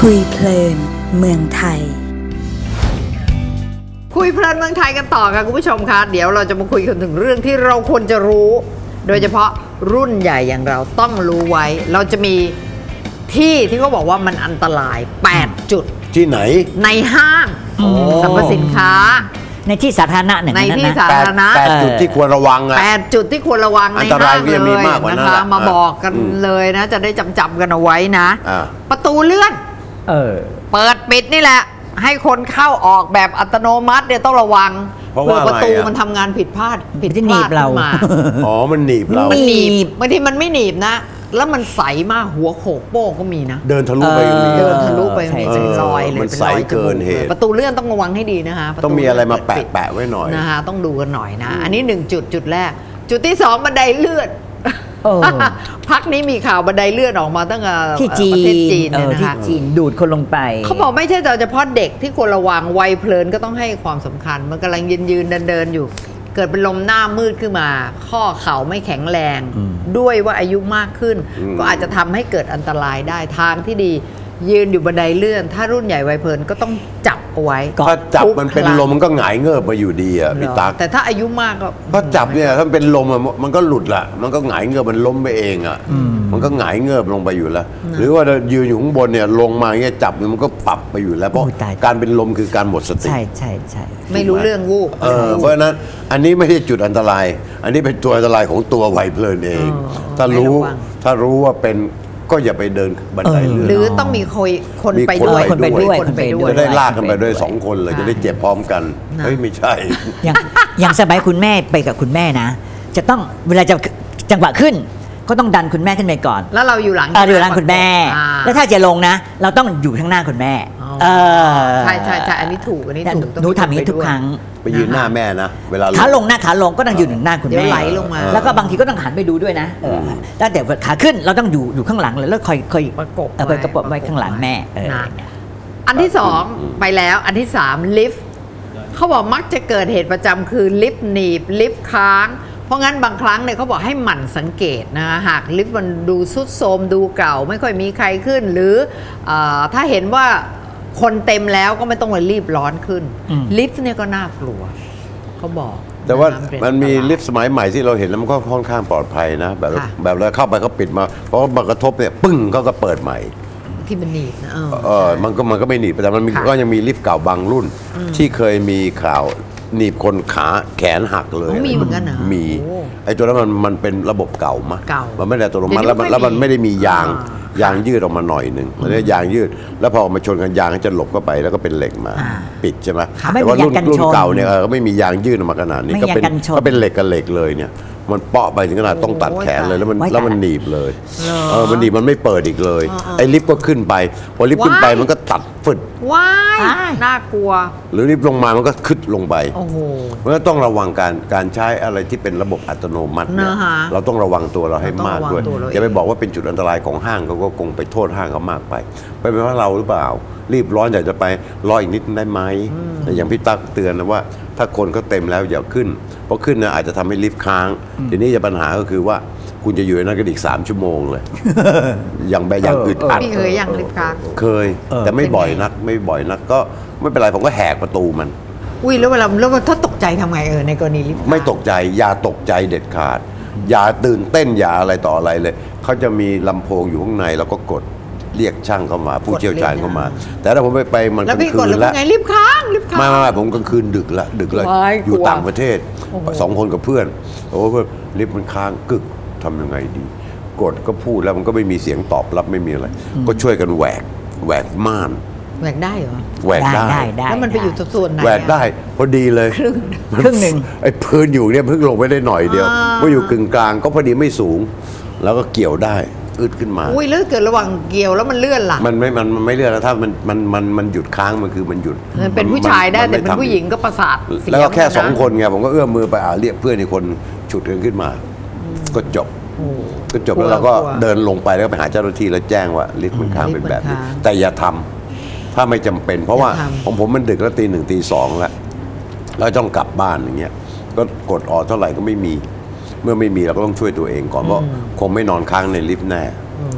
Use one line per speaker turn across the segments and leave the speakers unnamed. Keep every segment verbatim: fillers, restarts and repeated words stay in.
คุยเพลินเมืองไทย
คุยเพลินเมืองไทยกันต่อค่ะคุณผู้ชมคะเดี๋ยวเราจะมาคุยกันถึงเรื่องที่เราควรจะรู้โดยเฉพาะรุ่นใหญ่อย่างเราต้องรู้ไว้เราจะมีที่ที่เขาบอกว่ามันอันตรายแปดจุด
ที่ไหน
ในห้างสรรพสินค้า
ในที่สาธารณะหนึ่ง
ในที่สาธารณะ
แปดจุดที่ควรระวังอะ
แปดจุดที่ควรระวังในห้างเลยนะคะมาบอกกันเลยนะจะได้จำจำกันเอาไว้นะประตูเลื่อน
เออ
เปิดปิดนี่แหละให้คนเข้าออกแบบอัตโนมัติเนี่ยต้องระวังเพื่อประตูมันทำงานผิดพลาดผิดพลาดขึ้นมา
อ๋อมันหนีบเรา
มันหนีบบางทีมันไม่หนีบนะแล้วมันใสมากหัวโขกโป้งก็มีนะ
เดินทะลุไป
เดินทะลุไปเป็นรอยเลย
มันใสเกินเหตุ
ประตูเลื่อนต้องระวังให้ดีนะคะ
ต้องมีอะไรมาแปะแปะไว้หน่อย
นะคะต้องดูกันหน่อยนะอันนี้หนึ่งจุดจุดแรกจุดที่สองบันไดเลื่อนพักนี้มีข่าวบันไดเลื่อนออกมาตั้งแต่
ที่จีน
จีนนะคะ
จีนดูดคนลงไป
เขาบอกไม่ใช่แต่เฉพาะเด็กที่ควรระวังวัยเพลินก็ต้องให้ความสำคัญมันกำลังยืนยืนเดินเดินอยู่เกิดเป็นลมหน้ามืดขึ้นมาข้อเข่าไม่แข็งแรงด้วยว่าอายุมากขึ้นก็อาจจะทำให้เกิดอันตรายได้ทางที่ดียืนอยู่บันไดเลื่อนถ้ารุ่นใหญ่วัยเพลินก็ต้องจับเอาไว้
ถ้าจับมันเป็นลมมันก็หงายเงิบมาอยู่ดีอ่ะพี่ตั๊ก
แต่ถ้าอายุมากก็
ถ้าจับเนี่ยถ้าเป็นลมมันก็หลุดละมันก็หงายเงิบมันล้มไปเองอ่ะมันก็หงายเงิบลงไปอยู่แล้วหรือว่ายืนอยู่ข้างบนเนี่ยลงมาเงี้ยจับมันก็ปรับไปอยู่แล้วเพราะการเป็นลมคือการหมดสติ
ใช่ใช่ใช่
ไม่รู้เรื่องวูบ
เออเพราะฉะนั้นอันนี้ไม่ใช่จุดอันตรายอันนี้เป็นตัวอันตรายของตัววัยเพลินเองถ้ารู้ถ้ารู้ว่าเป็นก็อย่าไปเดินบันไดเลื่อน
หรือต้องมีคนคนไปด้วย
คนไปด้วยคนไปด้วย
จะได้ลากกันไปด้วยสองคนเลยจะได้เจ็บพร้อมกันเฮ้ยไม่ใช่
อย่างอย่างสบายคุณแม่ไปกับคุณแม่นะจะต้องเวลาจะจังหวะขึ้นก็ต้องดันคุณแม่ขึ้นไปก่อน
แล้วเราอยู่หลัง
อยู่หลังคุณแม่แล้วถ้าจะลงนะเราต้องอยู่ข้างหน้าคุณแม่
เออใช่ใช่ใช่อันนี้ถูกอันนี้ถูก
หนูทำอย่างนี้ทุกครั้ง
ไปยืนหน้าแม่นะเวลา
ขาลงหน้าขาลงก็ต้องอยู่หน้าคุณแม่
ไหลลงมา
แล้วก็บางทีก็ต้องหันไปดูด้วยนะแล้วแต่ขาขึ้นเราต้องอยู่อยู่ข้างหลังเลยแล้วคอยคอย
ประกบ
เอาไปกระปบไว้ข้างหลังแม่
อันที่สองไปแล้วอันที่สามลิฟต์เขาบอกมักจะเกิดเหตุประจำคือลิฟต์หนีบลิฟต์ค้างเพราะงั้นบางครั้งเนี่ยเขาบอกให้หมั่นสังเกตนะหากลิฟต์มันดูซุดโทรมดูเก่าไม่ค่อยมีใครขึ้นหรือถ้าเห็นว่าคนเต็มแล้วก็ไม่ต้องมารีบร้อนขึ้นลิฟต์เนี่ยก็น่ากลัวเขาบอก
แต่ว่ามันมีลิฟต์สมัยใหม่ที่เราเห็นแล้วมันก็ค่อนข้างปลอดภัยนะแบบแบบเราเข้าไปเขาปิดมาเพราะมันกระทบเนี่ยปึ้งเขาก็เปิดใหม่
ที่มันหนีบนะ
เออมันก็มันก็ไม่หนีบแต่มันก็ยังมีลิฟต์เก่าบางรุ่นที่เคยมีข่าวหนีบคนขาแขนหักเลย
มีเหมือนกันนะ
มีไอ้ตัวนั้นมันมันเป็นระบบเก่ามากมันไม่ได้ตัวมันแล้วแล้วมันไม่ได้มียางยางยืดออกมาหน่อยหนึ่งมันได้ยางยืดแล้วพอมาชนกันยางจะหลบเข้าไปแล้วก็เป็นเหล็กมาปิดใช่ไหมแต่ว่ารุ่นรุ่นเก่าเนี่ยก็ไม่มียางยืดออกมาขนาดนี้ก็เป็นก็เป็นเหล็กกับเหล็กเลยเนี่ยมันเปาะไปถึงขนาดต้องตัดแขนเลยแล้วมันแล้วมันหนีบเลยเออมันหนีบมันไม่เปิดอีกเลยไอ้ลิฟต์ก็ขึ้นไปพอลิฟต์ขึ้นไปมันก็ตัดฟึด
ว้ายน่ากลัว
หรือลิฟต์ลงมามันก็ขึ้นลงไปเพราะฉะนั้นต้องระวังการการใช้อะไรที่เป็นระบบอัตโนมัติเนี่ยเราต้องระวังตัวเราให้มากด้วยอย่าไปบอกว่าเป็นจุดอันตรายของห้างเขาก็คงไปโทษห้างเขามากไปไปเป็นเพราะเราหรือเปล่ารีบร้อนอยากจะไปรออีกนิดได้ไหมอย่างพี่ตั๊กเตือนนะว่าถ้าคนเขาเต็มแล้วอย่าขึ้นเพราะขึ้นนะอาจจะทำให้ลิฟต์ค้างทีนี้จะปัญหาก็คือว่าคุณจะอยู่ในนั้นก็อีกสามชั่วโมงเลยอย่างแบบอย่างอึดอัด
เคยอย่างลิฟต์ค้าง
เคยแต่ไม่บ่อยนักไม่บ่อยนักก็ไม่เป็นไรผมก็แหกประตูมัน
อุ้ยแล้วเวลาแล้วถ้าตกใจทำไงเออในกรณีลิฟต์
ไม่ตกใจอย่าตกใจเด็ดขาดอย่าตื่นเต้นอย่าอะไรต่ออะไรเลยเขาจะมีลำโพงอยู่ข้างในแล้วก็กดเรียกช่างเข้ามาผู้เชี่ยวชาญเข้ามาแต่ถ้าผมไปไปมันกลางคืนแล้ว
ไงรีบค้างรีบค้าง
ไม่ไม่ผมกลางคืนดึกละดึกเลยอยู่ต่างประเทศสองคนกับเพื่อนโอ้เพื่อนลิฟต์มันค้างกึกทำยังไงดีกดก็พูดแล้วมันก็ไม่มีเสียงตอบรับไม่มีอะไรก็ช่วยกันแหวกแหวกม่าน
แหวกได้เหรอ
แหวกได้
แล้วมันไปอยู่ส่วนไหน
แหวกได้พอดีเลย
ครึ่งหนึ่ง
ไอ้พื้นอยู่เนี่ยเพิ่งลงไปได้หน่อยเดียวว่าอยู่กึ่งกลางก็พอดีไม่สูงแล้วก็เกี่ยวได้อึดขึ้นมา
อุ้ยแล้วเกิดระหว่างเกี่ยวแล้วมันเลื่อนล่ะ
มันไม่มันมันไม่เลื่อนแล้วถ้ามันมันมันมันหยุดค้างมันคือมันหยุด
มันเป็นผู้ชายได้แต่เป็นผู้หญิงก็ประสาท
แล้วก็แค่สองคนไงผมก็เอื้อมมือไปอ่าเรียกเพื่อนอีกคนฉุดกันขึ้นมาก็จบก็จบแล้วเราก็เดินลงไปแล้วไปหาเจ้าหน้าที่แล้วแจ้งว่าลิฟต์มันค้างเป็นแบบนี้แต่อย่าทำถ้าไม่จำเป็นเพราะว่าของผมมันดึกแล้วตีหนึ่งตีสองแล้วแล้วต้องกลับบ้านอย่างเงี้ยก็กดออกเท่าไหร่ก็ไม่มีเมื่อไม่มีเราก็ต้องช่วยตัวเองก่อนเพราะคงไม่นอนค้างในลิฟต์แน่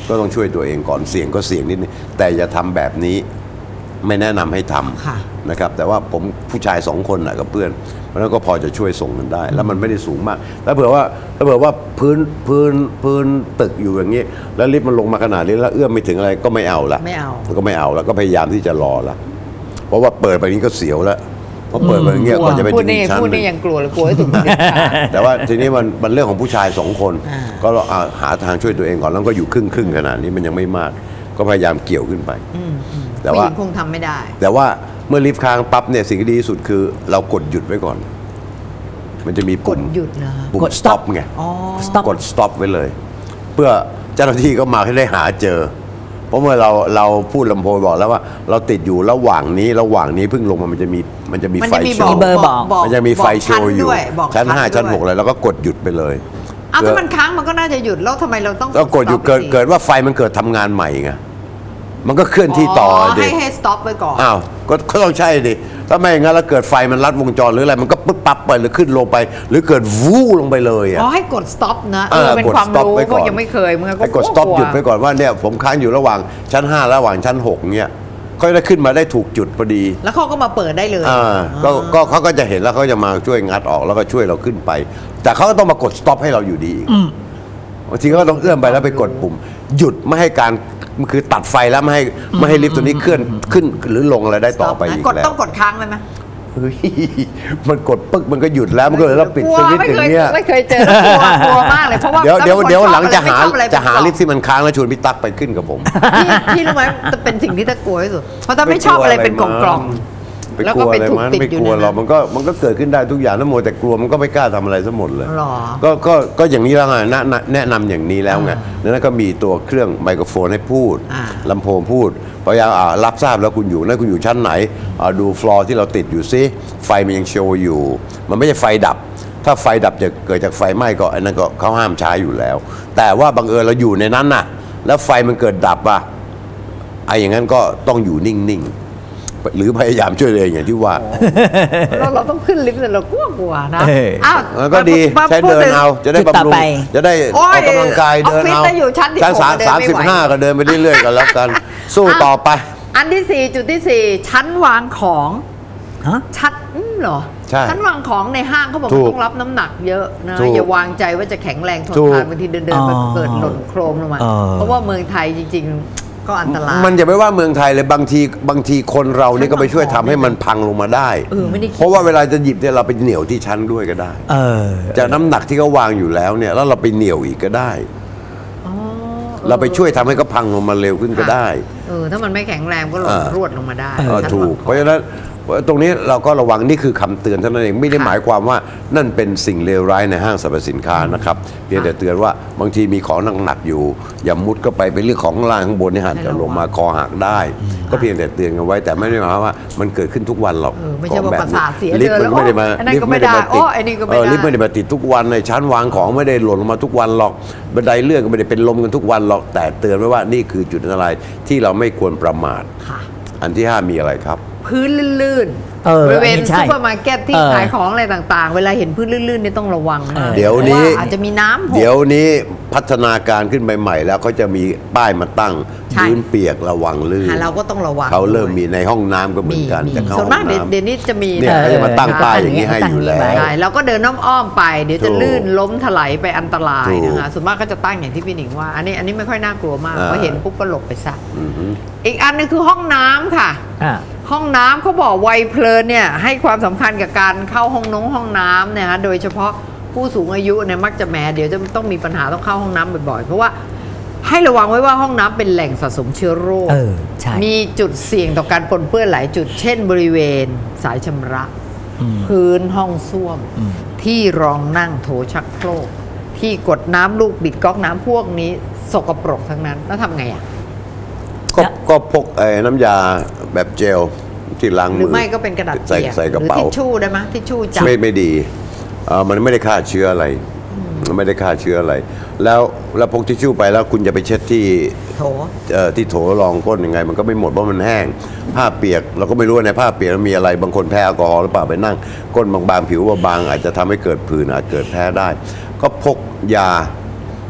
ก็ต้องช่วยตัวเองก่อนเสี่ยงก็เสี่ยงนิดนึงแต่อย่าทำแบบนี้ไม่แนะนำให้ทำนะครับแต่ว่าผมผู้ชายสองคนนะกับเพื่อนเพราะนั้นก็พอจะช่วยส่งกันได้แล้วมันไม่ได้สูงมากถ้าเผื่อว่าถ้าเผื่อว่าพื้นพื้นพื้นตึกอยู่อย่างนี้แล้วลิฟต์มันลงมาขนาดนี้แล้วเอื้อมไม่ถึงอะไรก็ไม่เอาละ
ไม่เอา
ก็ไม่เอาแล้วก็พยายามที่จะรอละเพราะว่าเปิดไปนี้ก็เสียวแล้วเพราะเปิดไปอย่างเงี้ยก็จะไปถึงชั้น
พูดนี่ยังกลัวเลยกลัวให้ถูก
แต่ว่าทีนี้มันมันเรื่องของผู้ชายสองคนก็หาทางช่วยตัวเองก่อนแล้วก็อยู่ครึ่งครึ่งขนาดนี้มันยังไม่มากก็พยายามเกี่ยวขึ้นไปแต่ว่า
คงทำไม่ได้
แต่ว่าเมื่อลิฟต์ค้างปั๊บเนี่ยสิ่งที่ดีที่สุดคือเรากดหยุดไว้ก่อนมันจะมีปุ่ม
หยุดนะ
ปุ่ม stop ไงกด stop ไว้เลยเพื่อเจ้าหน้าที่ก็มาให้ได้หาเจอเพราะเมื่อเราเราพูดลำโพงบอกแล้วว่าเราติดอยู่ระหว่างนี้ระหว่างนี้เพิ่งลงมามันจะมีมันจะมีไฟโชว์มันจะมีไฟโชว์อยู่ชั้นห้าชั้นหกเลยแล้วก็กดหยุดไปเลย
อ้าวถ้ามันค้างมันก็น่าจะหยุดแล้วทำไมเราต้อง
ก็กดหยุดเกิดเกิดว่าไฟมันเกิดทำงานใหม่ไงมันก็เคลื่อนที่ต่อ
ดิให้ให้ stop ไว้ก่อน
อ้าวก็ต้องใช่ดิถ้าไม่อย่างนั้นแล้วเกิดไฟมันลัดวงจรหรืออะไรมันก็ปึ๊บปั๊บไปหรือขึ้นลงไปหรือเกิดวู้ลงไปเลยอ่ะ
อ๋อให้กด stop นะเออเป็นความรู้เพราะยังไม่เคยมึงก็
ให้กด stop หยุดไว้ก่อนว่าเนี่ยผมค้างอยู่ระหว่างชั้นห้าระหว่างชั้นหกเนี่ยเขาได้ขึ้นมาได้ถูกจุดพอดี
แล้วเขาก็มาเปิดได้เลย
อ่าก็ก็เขาก็จะเห็นแล้วเขาจะมาช่วยงัดออกแล้วก็ช่วยเราขึ้นไปแต่เขาก็ต้องมากด stop ให้เราอยู่ดีบางทีเขาก็ต้องเอื้อมไปแล้วไปกดปุ่มหยุดไม่ให้การมันคือตัดไฟแล้วไม่ให้ไม่ให้ลิฟต์ตัวนี้เคลื่อนขึ้นหรือลงอะไรได้ต่อไปอีกแล้ว
ต้องกดค้างไหมไหม
มันกดปึ๊กมันก็หยุดแล้วมันก็เลยเราปิดสวิตช์อย่างเงี้ย
ไม่เคยเจอกลัวมากเลยเพราะว่า
เดี๋ยวเดี๋ยวเดี๋ยวหลังจะหาจะหาลิฟต์ที่มันค้างแล้วชวนพี่ตั๊กไปขึ้นกับผม
พี่รู้ไหมจะเป็นสิ่งที่ตะกลัวที่สุดเพราะถ้าไม่ชอบอะไรเป็นกล่อง
แล้วก็เป็นถูกติดอยู่ไม่กลัวหรอกมันก็มันก็เกิดขึ้นได้ทุกอย่างทั้งหมดแต่กลัวมันก็ไม่กล้าทำอะไรซะหมดเลยก็ก็ก็อย่างนี้แล้วไงแนะนำอย่างนี้แล้วไงแล้วก็มีตัวเครื่องไมโครโฟนให้พูดลำโพงพูดพยายามรับทราบแล้วคุณอยู่นั่นคุณอยู่ชั้นไหนดูฟลอร์ที่เราติดอยู่ซิไฟมันยังโชว์อยู่มันไม่ใช่ไฟดับถ้าไฟดับจะเกิดจากไฟไหม้ก็อันนั้นก็เขาห้ามใช้อยู่แล้วแต่ว่าบังเอิญเราอยู่ในนั้นน่ะแล้วไฟมันเกิดดับอ่ะไอ้อย่างนั้นก็ต้องอยู่นิ่งๆหรือพยายามช่วยเลยอย่างที่ว่า
เราเราต้องขึ้นลิฟต์แต่เรากลัวกลัวนะ
อ้าวก็ดีใช้เดินเอาจะได้บำรุงจะได้ออกกำลังกายเดินเอาชั้นสามสามสิบห้าก็เดินไปเรื่อยๆกันแล้วกันสู้ต่อไป
อันที่สี่จุดที่สี่ชั้นวางของชั้นเหรอชั้นวางของในห้างเขาบอกต้องรับน้ำหนักเยอะนะอย่าวางใจว่าจะแข็งแรงทนทานบางทีเดินๆไปเกิดหล่นโครมลงมาเพราะว่าเมืองไทยจริงๆก็อันตราย
มันจะไม่ว่าเมืองไทยเลยบางทีบางทีคนเรานี่ก็ไปช่วยทำให้มันพังลงมาได้เพราะว่าเวลาจะหยิบเนี่ยเราไปเหนี่ยวที่ชั้นด้วยก็ได้จากน้ำหนักที่เขาวางอยู่แล้วเนี่ยแล้วเราไปเหนี่ยวอีกก็ได้เราไปช่วยทำให้เขาพังลงมาเร็วขึ้นก็ได้
เออถ้ามันไม่แข็งแรงก็หล่นรวดลงมาได้
ถูกเพราะฉะนั้นตรงนี้เราก็ระวังนี่คือคำเตือนเท่านั้นเองไม่ได้หมายความว่านั่นเป็นสิ่งเลวร้ายในห้างสรรพสินค้านะครับเพียงแต่เตือนว่าบางทีมีของหนักๆอยู่อย่ามุดก็ไปเป็นเรื่องของล่างข้างบนนี่หันจะลงมาคอหักได้ก็เพียงแต่เตือนกันไว้แต่ไม่ได้หมายว่ามันเกิดขึ้นทุกวันหรอก
ไม่ใช่ว่าประสาทเสีย
ลิฟต์มันไม่ได้มาลิฟต์ไม่ได้มาติดลิฟต์ไม่ได้มาติดทุกวันในชั้นวางของไม่ได้หล่นลงมาทุกวันหรอกบันไดเลื่อนก็ไม่ได้เป็นลมกันทุกวันหรอกแต่เตือนไว้ว่านี่คือจุดอันตรายที่เราไม่ควรประมาทอันที่ห้ามีอะไรครับ
พื้นลื่นบริเวณซุปเปอร์มาร์เก็ตที่ขายของอะไรต่างๆเวลาเห็นพื้นลื่นๆนี่ต้องระวังนะ
เดี๋ยวนี้
อาจจะมีน้ำ
เดี๋ยวนี้พัฒนาการขึ้นไปใหม่แล้วเขาจะมีป้ายมาตั้งพื้นเปียกระวังลื่น
เราก็ต้องระวัง
เขาเริ่มมีในห้องน้ำก็เหมือนกัน
แต่ส่วนมากเดี๋ยวนี้จะมี
เนี่ยเขาจะมาตั้งป้ายอย่างนี้ให้อยู่แล้ว
เราก็เดินอ้อมๆไปเดี๋ยวจะลื่นล้มถลายไปอันตรายนะคะส่วนมากก็จะตั้งอย่างที่พี่หนิงว่าอันนี้อันนี้ไม่ค่อยน่ากลัวมากเพราะเห็นปุ๊บก็หลบไปซะอีกอันนึงคือห้องน้ำค่ะห้องน้ำเขาบอกวัยเพลินเนี่ยให้ความสำคัญกับการเข้าห้องน้ำห้องน้ำเนี่ยฮะโดยเฉพาะผู้สูงอายุเนี่ยมักจะแหมเดี๋ยวจะต้องมีปัญหาต้องเข้าห้องน้ำบ่อยๆเพราะว่าให้ระวังไว้ว่าห้องน้ำเป็นแหล่งสะสมเชื้อโรคมีจุดเสี่ยงต่อการปนเปื้อนหลายจุดเช่นบริเวณสายชำระพื้นห้องส้วมที่รองนั่งโถชักโครกที่กดน้ำลูกบิดก๊อกน้ำพวกนี้สกปรกทั้งนั้นแล้วทำไงอ่ะ
ก็ก็พกไอ้น้ำยาแบบเจลที่ล้างมือ
หรือไม่ก็เป็นกระดาษเปียก
ใส่กระเป๋า
ทิชชู่ได้ไหมทิชชู่จับ
ไม่ไม่ดีเออมันไม่ได้ฆ่าเชื้ออะไรมันไม่ได้ฆ่าเชื้ออะไรแล้วแล้วพกทิชชู่ไปแล้วคุณจะไปเช็ดที่
โถ
เอ่อที่โถรองก้นยังไงมันก็ไม่หมดเพราะมันแห้งผ้าเปียกเราก็ไม่รู้ในผ้าเปียกมันมีอะไรบางคนแพ้แอลกอฮอล์หรือเปล่าไปนั่งก้นบางๆผิวบางอาจจะทำให้เกิดผื่นอาจเกิดแพ้ได้ก็พกยา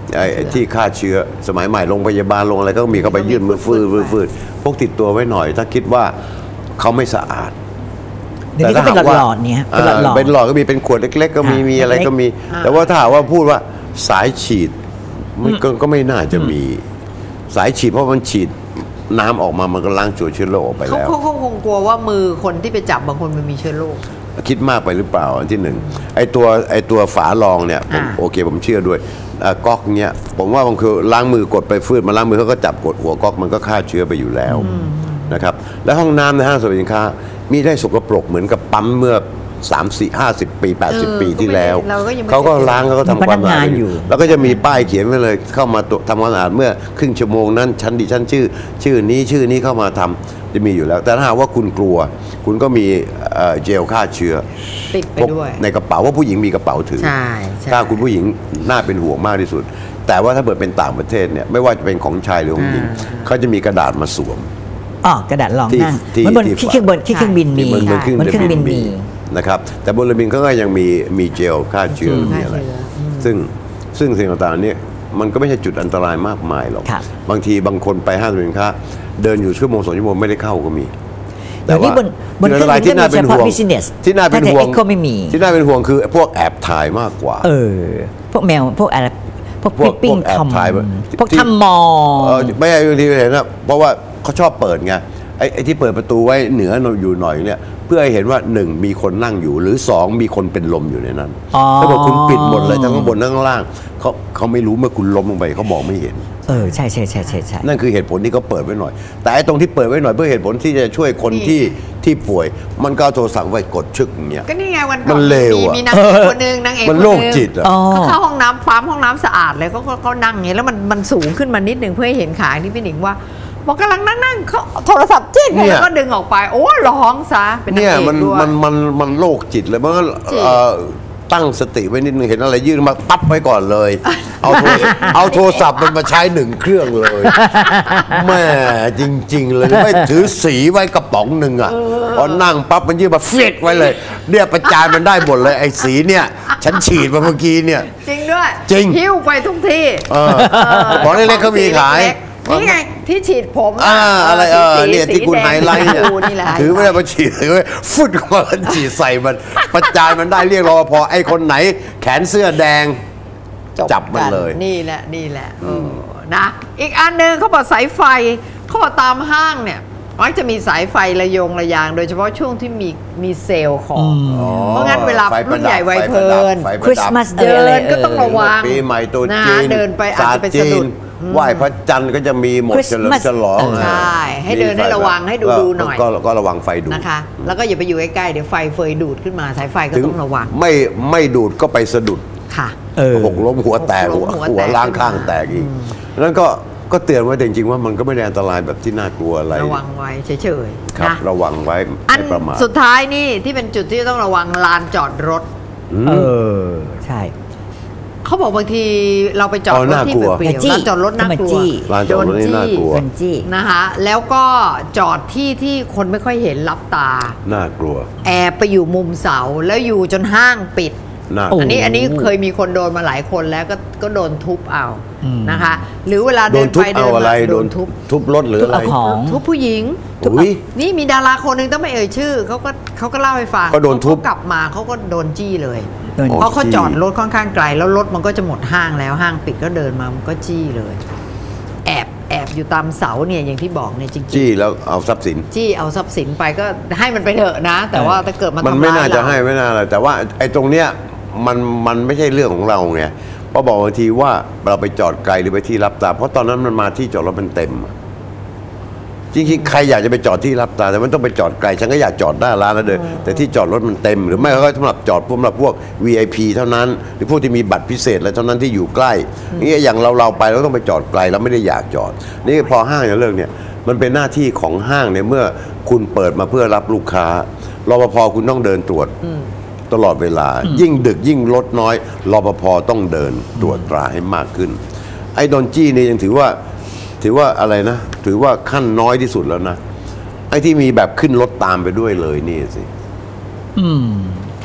ไอ้ที่ฆ่าเชื้อสมัยใหม่โรงพยาบาลโรงอะไรก็มีเข้าไปยื่นมือฟืดฟืดพกติดตัวไว้หน่อยถ้าคิดว่าเขาไม่สะอาด
เดี๋ยวนี้ก็เป็นหลอดๆเนี่ยเป็นหลอดๆ
เป็นหลอดก็มีเป็นขวดเล็กๆก็มีมีอะไรก็มี แต่ว่าถ้าหากว่าพูดว่าสายฉีดมันก็ไม่น่าจะมีสายฉีดเพราะมันฉีดน้ำออกมามันก็ล้างตัวเชื้อโรคออกไปแล้ว
เขาคงกลัวว่ามือคนที่ไปจับบางคนมันมีเชื้อโรค
คิดมากไปหรือเปล่าอันที่หนึ่งไอ้ตัวไอ้ตัวฝารองเนี่ยผมโอเคผมเชื่อด้วยก๊อกเนี้ยผมว่าบางคือล้างมือกดไปฟืดมาล้างมือเขาก็จับกดหัวก๊อกมันก็ฆ่าเชื้อไปอยู่แล้วนะครับแล้วห้องน้ำในห้างสรรพสินค้ามีได้สกปรกเหมือนกับปั๊มเมื่อสามสี่ห้าสิบปีแปดสิบปีที่แล้วเขาก็ล้างเขาก็ทำความสะอาดอยู่แล้วก็จะมีป้ายเขียนไว้เลยเข้ามาทำความสะอาดเมื่อครึ่งชั่วโมงนั้นชั้นดิชั้นชื่อชื่อนี้ชื่อนี้เข้ามาทำจะมีอยู่แล้วแต่ถ้าหากว่าคุณกลัวคุณก็มีเจลฆ่าเชื้อ
ติดไปด้วย
ในกระเป๋าว่าผู้หญิงมีกระเป๋าถือถ้าคุณผู้หญิงน่าเป็นห่วงมากที่สุดแต่ว่าถ้าเกิดเป็นต่างประเทศเนี่ยไม่ว่าจะเป็นของชายหรือของหญิงเขาจะมีกระดาษมาสวม
อ๋อกระดาษรองนั่งเหมือนบนที่เครื่องบนที่เครื่องบินมีเหมือนเครื่องบินมี
นะครับแต่บนเรือบินเขาก็ยังมีมีเจลฆ่าเชื้อมีอะไรซึ่งซึ่งสิ่งต่างๆนี้มันก็ไม่ใช่จุดอันตรายมากมายหรอกบางทีบางคนไปห้างสรรพสินค้าเดินอยู่ชั่วโมงสองชั่วโมงไม่ได้เข้าก็มี
แต่ว่าบนเครื่องบินที่น่าเป็นห่วง
ที่น่าเป็นห่วงที่น่าเป็นห่วงคือพวกแอบถ่ายมากกว่า
เออพวกแมวพวกอะไรพวกปิ้งทำพวกทำมอ
ไม่ใช่บางทีเห็นนะเพราะว่าเขาชอบเปิดไงไอ้ที่เปิดประตูไว้เหนืออยู่หน่อยเนี่ยเพื่อให้เห็นว่าหนึ่งมีคนนั่งอยู่หรือสองมีคนเป็นลมอยู่ในนั้นถ้าบอกคุณปิดหมดเลยทั้งข้างบนทั้งข้างล่างเขาเขาไม่รู้เมื่อคุณล้มลงไปเขามองไม่เห็น
เออใช่ใช่ใช่ใช่ใช่
นั่นคือเหตุผลที่เขาเปิดไว้หน่อยแต่ไอ้ตรงที่เปิดไว้หน่อยเพื่อเหตุผลที่จะช่วยคนที่ที่ป่วยมันก็โทรสั่งไว้กดชึกเนี่ย
ก็นี่ไงวันก่อนมีนางเอกคนนึงนางเอก
มันโรคจิตอ่ะ
เขาเข้าห้องน้ำปั๊มห้องน้ำสะอาดเลยเขาเขานั่งอย่างนี้แล้วมันมันสูงขึ้นมานิดนึงเพื่อให้เห็นขาที่พี่หนิงว่าบอกกำลังนั่งๆเขาโทรศัพท์จิ้งแล้วก็ดึงออกไปโอ้ร้องซะเป็นนางเอกด้วย
มันมันมันโรคจิตเลยมันก็ตั้งสติไว้นิดนึงเห็นอะไรยื่นมาปั๊บไว้ก่อนเลยเอาโทรเอาโทรศัพท์มันมาใช้หนึ่งเครื่องเลยแม่จริงๆเลยไม่ถือสีไว้กระป๋องหนึ่งอ่ะพอนั่งปั๊บมันยื่นมาเฟียดไว้เลยเนี่ยประจานมันได้หมดเลยไอ้สีเนี่ยฉันฉีดมาเมื่อกี้เนี่ย
จริงด้วย
จริง
หิ้วไปทุกที่
ของเล็กๆเขามีขาย
นี่ไงที่ฉีดผม
อ่าอะไรเออเนี่ยที่คุณไฮไลท์เนี่ยถือไม่ได้มาฉีดเลยฟุดมาฉีดใส่มันประจานมันได้เรียกรอพอไอ้คนไหนแขนเสื้อแดงจับมันเลย
นี่แหละนี่แหละนะอีกอันหนึ่งเขาบอกสายไฟเขาบอกตามห้างเนี่ยมักจะมีสายไฟระยงระยางโดยเฉพาะช่วงที่มีมีเซลล์ของเพราะงั้นเวลารุ่นใหญ่วัยเพลิน
คริสต์มาส
เดินก็ต้องระวัง
ปีใหม่ตัวจีน
เดินไปอาจจะไปสะดุด
ไหว้พระจันทร์ก็จะมีหมดเฉลิมฉลอง
ใช่ให้เดินให้ระวังให้ดูดูหน่อย
ก็ระวังไฟดูด
นะคะแล้วก็อย่าไปอยู่ใกล้ๆเดี๋ยวไฟเฟยดูดขึ้นมาสายไฟก็ต้องระวัง
ไม่ไม่ดูดก็ไปสะดุด
ค่ะ
หกล้มหัวแตกหัวล้างข้างแตกอีกนั้นก็ก็เตือนไว้จริงๆว่ามันก็ไม่ได้อันตรายแบบที่น่ากลัวอะไร
ระวังไว้เฉย
ๆครับระวังไว้ไม่ประมาท
สุดท้ายนี่ที่เป็นจุดที่ต้องระวังลานจอดรถ
เออใช่
เขาบอกบางทีเราไปจอดรถที่เปลี่ยวๆลานจอดรถน่ากลัว
ลานจอดรถนี่น่ากลัว
นะคะแล้วก็จอดที่ที่คนไม่ค่อยเห็นรับตา
น่ากลัว
แอบไปอยู่มุมเสาแล้วอยู่จนห้างปิดอันนี้อันนี้เคยมีคนโดนมาหลายคนแล้วก็ก็โดนทุบเอานะคะหรือเวลาเดินไปเดินมา
โดนทุบทุบรถหรืออะไร
ทุบผู้หญิงนี่มีดาราคนหนึ่งต้องไม่เอ่ยชื่อเขาก็เขาก็เล่าให้ฟัง
เขาโดนทุบ
กลับมาเขาก็โดนจี้เลยเพราะเขาจอดรถค่อนข้างไกลแล้วรถมันก็จะหมดห้างแล้วห้างปิดก็เดินมามันก็จี้เลยแอบแอบอยู่ตามเสาเนี่ยอย่างที่บอกเนี่ยจริงๆ
จี้แล้วเอาทรัพย์สิน
จี้เอาทรัพย์สินไปก็ให้มันไปเถอะนะแต่ว่าถ้าเกิดมัน
มันไม่น่าจะให้ไม่น่าอะไรแต่ว่าไอ้ตรงเนี้ยมันมันไม่ใช่เรื่องของเราไงเพราะบอกบางทีว่าเราไปจอดไกลหรือไปที่รับตาเพราะตอนนั้นมันมาที่จอดรถมันเต็มจริงๆใครอยากจะไปจอดที่รับตาแต่มันต้องไปจอดไกลฉันก็อยากจอดหน้าร้านแล้วเดินแต่ที่จอดรถมันเต็มหรือไม่ก็สำหรับจอดสำหรับพวก วี ไอ พี เท่านั้นหรือพวกที่มีบัตรพิเศษอะไรเท่านั้นที่อยู่ใกล้นี่อย่างเราเราไปเราต้องไปจอดไกลเราไม่ได้อยากจอดนี่พอห้างอย่างเรื่องเนี่ยมันเป็นหน้าที่ของห้างเนี่ยเมื่อคุณเปิดมาเพื่อรับลูกค้ารปภ.คุณต้องเดินตรวจตลอดเวลายิ่งดึกยิ่งรถน้อยรปภ.ต้องเดินตรวจตราให้มากขึ้นไอ้โดนจี้นี่ยังถือว่าถือว่าอะไรนะถือว่าขั้นน้อยที่สุดแล้วนะไอ้ที่มีแบบขึ้นรถตามไปด้วยเลยนี่สิ
อืม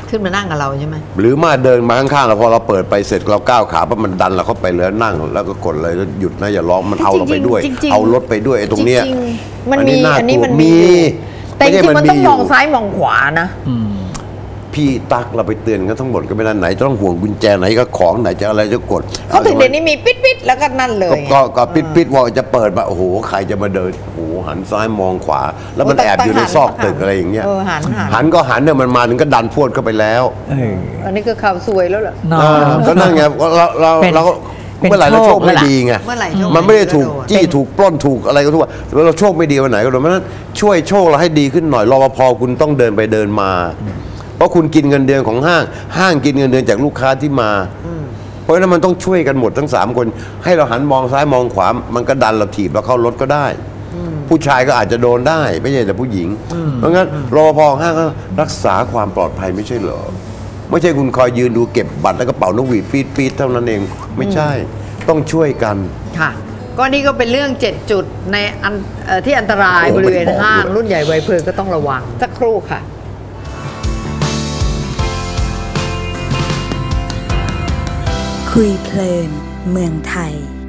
ขึ้นมานั่งกับเราใช่ไหม
หรือมาเดินมาข้างๆเราพอเราเปิดไปเสร็จเราก้าวขาปั๊บมันดันเราเข้าไปเลยนั่งแล้วก็กดเลยหยุดนะอย่าร้องมันเอาเราไปด้วยเอารถไปด้วยไอ้ตรงเนี้ย
มันมีอันนี้มันมีแต่จริงๆมันต้องมองซ้ายมองขวานะ
พี่ตักเราไปเตือนกันทั้งหมดก็ไม่ได้ไหนต้องห่วงกุญแจไหนก็ของไหนจะอะไรจะกด
เขาถึงเดี๋ยวนี้มีปิดปิดแล้วก็นั่นเลย
ก็ก็ปิดปิดว่าจะเปิดมาโอ้โหใครจะมาเดินโอ้โหหันซ้ายมองขวาแล้วมันแอบอยู่ในซอกตึกอะไรอย่างเงี้ย
หัน
หันก็หันเนี่ยมันมาถึงก็ดันพวดเข้าไปแล้ว
อันนี้ก็ข่าวซวยแล้วเหรอ
ก็นั่นไงเราเราเราเมื่อไหร่เราโชคไม่ดีไงมันไม่ได้ถูกจี้ถูกปล้นถูกอะไรก็ทุกว่าเราโชคไม่ดีวันไหนก็โดนเพราะฉะนั้นช่วยโชคเราให้ดีขึ้นหน่อยรปภคุณต้องเดินไปเดินมาเพราะคุณกินเงินเดือนของห้างห้างกินเงินเดือนจากลูกค้าที่มาเพราะฉะนั้นมันต้องช่วยกันหมดทั้งสามคนให้เราหันมองซ้ายมองขวามันก็ดันเราถีบเราเข้ารถก็ได้ผู้ชายก็อาจจะโดนได้ไม่ใช่แต่ผู้หญิงเพราะงั้นรปภห้างก็รักษาความปลอดภัยไม่ใช่เหรอไม่ใช่คุณคอยยืนดูเก็บบัตรแล้วก็เป่านกหวีดปี๊ดปี๊ดเท่านั้นเองไม่ใช่ต้องช่วยกัน
ค่ะก็นี่ก็เป็นเรื่องเจ็ดจุดในอันที่อันตรายบริเวณห้างรุ่นใหญ่ไวเพลินก็ต้องระวังสักครู่ค่ะ
คุยเพลินเมืองไทย